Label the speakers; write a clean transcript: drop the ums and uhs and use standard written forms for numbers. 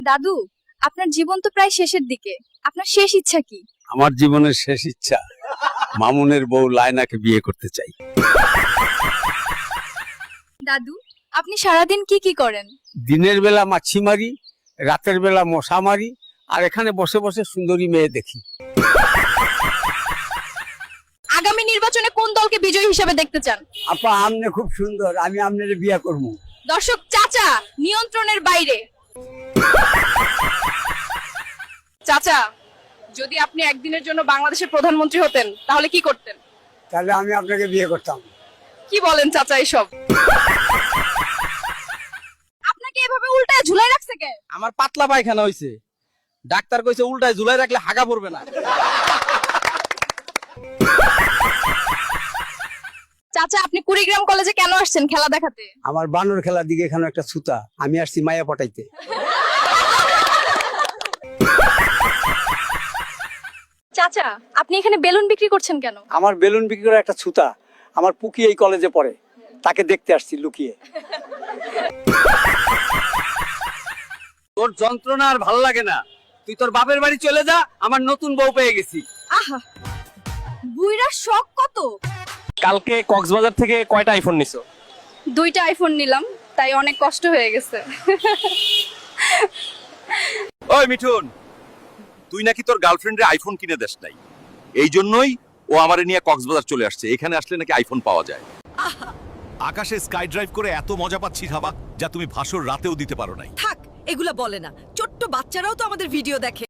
Speaker 1: দাদু, আপনার জীবন তো প্রায় শেষের দিকে, আপনার শেষ ইচ্ছা কি?
Speaker 2: আমার জীবনের শেষ ইচ্ছা মামুনের বউ লায়নাকে বিয়ে করতে চাই।
Speaker 1: দাদু, আপনি সারাদিন কি কি করেন?
Speaker 2: দিনের বেলা মাছি মারি, রাতের বেলা মশা মারি, আর এখানে বসে বসে সুন্দরী মেয়ে দেখি।
Speaker 1: আগামী নির্বাচনে কোন দলকে বিজয়ী হিসেবে দেখতে চান?
Speaker 2: আপা আমনে খুব সুন্দর, আমি আপনার বিয়ে করবো।
Speaker 1: দর্শক চাচা নিয়ন্ত্রণের বাইরে। চাচা, যদি আপনি একদিনের জন্য বাংলাদেশের প্রধানমন্ত্রী হতেন তাহলে কি করতেন?
Speaker 2: তাহলে আমি আপনাকে বিয়ে করতাম।
Speaker 1: কি বলেন চাচা এসব? আপনাকে এভাবে উল্টায় ঝুলাই রাখছে কে?
Speaker 3: আমার পাতলা পায়খানা হইছে, ডাক্তার কইছে উল্টায় ঝুলাই রাখলে হাগা পড়বে না।
Speaker 1: চাচা, আপনি কুড়িগ্রাম কলেজে কেন আসছেন খেলা দেখাতে?
Speaker 2: আমার বানর খেলার দিকে এখানে একটা ছুতা, আমি আসছি মায়া পটাইতে।
Speaker 1: চাচা, আপনি এখানে বেলুন বিক্রি করছেন কেন?
Speaker 2: আমার বেলুন বিক্রি করা একটা ছুতা, আমার পুকি এই কলেজে পড়ে, তাকে দেখতে আসছি লুকিয়ে। তোর যন্ত্রণা আর ভালো লাগে না, তুই তোর বাপের বাড়ি চলে যা, আমার নতুন বউ পেয়ে গেছি।
Speaker 1: আহা, বুইরা শখ কত!
Speaker 3: কালকে কক্সবাজার থেকে কয়টা আইফোন নিছো?
Speaker 1: 2টা আইফোন নিলাম, তাই অনেক কষ্ট হয়ে গেছে।
Speaker 4: ওই মিঠুন, তুই নাকি তোর গার্লফ্রেন্ডের আইফোন কিনে দেস নাই, এই জন্যই ও আমারে নিয়ে কক্সবাজার চলে আসছে। এখানে আসলে নাকি আইফোন পাওয়া যায়।
Speaker 5: আকাশে স্কাই ড্রাইভ করে এত মজা পাচ্ছি হাবা, যা তুমি ভাসর রাতেও দিতে পারো নাই।
Speaker 6: থাক, এগুলা বলে না। ছোট্ট বাচ্চারাও তো আমাদের ভিডিও দেখে।